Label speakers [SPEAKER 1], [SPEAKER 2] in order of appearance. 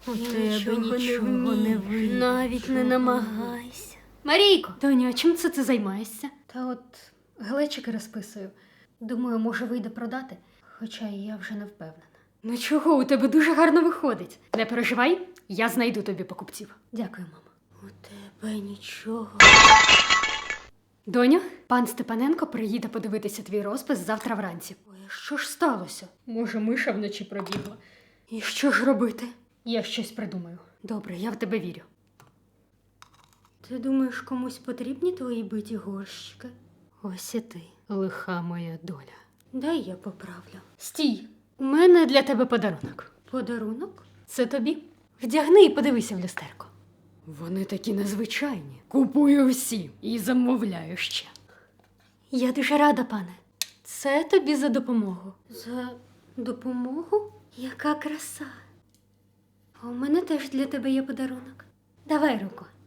[SPEAKER 1] У тебе нічого не вийде.
[SPEAKER 2] Навіть не намагайся.
[SPEAKER 1] Марійко! Доню, а чим це ти займаєшся? Та от глечики розписую. Думаю, може вийде продати, хоча я вже не впевнена. Ну чого, у тебе дуже гарно виходить. Не переживай, я знайду тобі покупців. Дякую, мама.
[SPEAKER 2] У тебе нічого.
[SPEAKER 1] Доню, пан Степаненко приїде подивитися твій розпис завтра вранці. Ой, а що ж сталося? Може, миша вночі пробігла. І що ж робити? Я щось придумаю. Добре, я в тебе вірю.
[SPEAKER 2] Ти думаєш, комусь потрібні твої биті горщики?
[SPEAKER 1] Ось і ти, лиха моя доля.
[SPEAKER 2] Дай я поправлю.
[SPEAKER 1] Стій, у мене для тебе подарунок.
[SPEAKER 2] Подарунок?
[SPEAKER 1] Це тобі. Вдягни і подивися в люстерко. Вони такі незвичайні. Купую всі і замовляю ще.
[SPEAKER 2] Я дуже рада, пане.
[SPEAKER 1] Це тобі за допомогу.
[SPEAKER 2] За допомогу? Яка краса. А у мене теж для тебе є подарунок. Давай руку.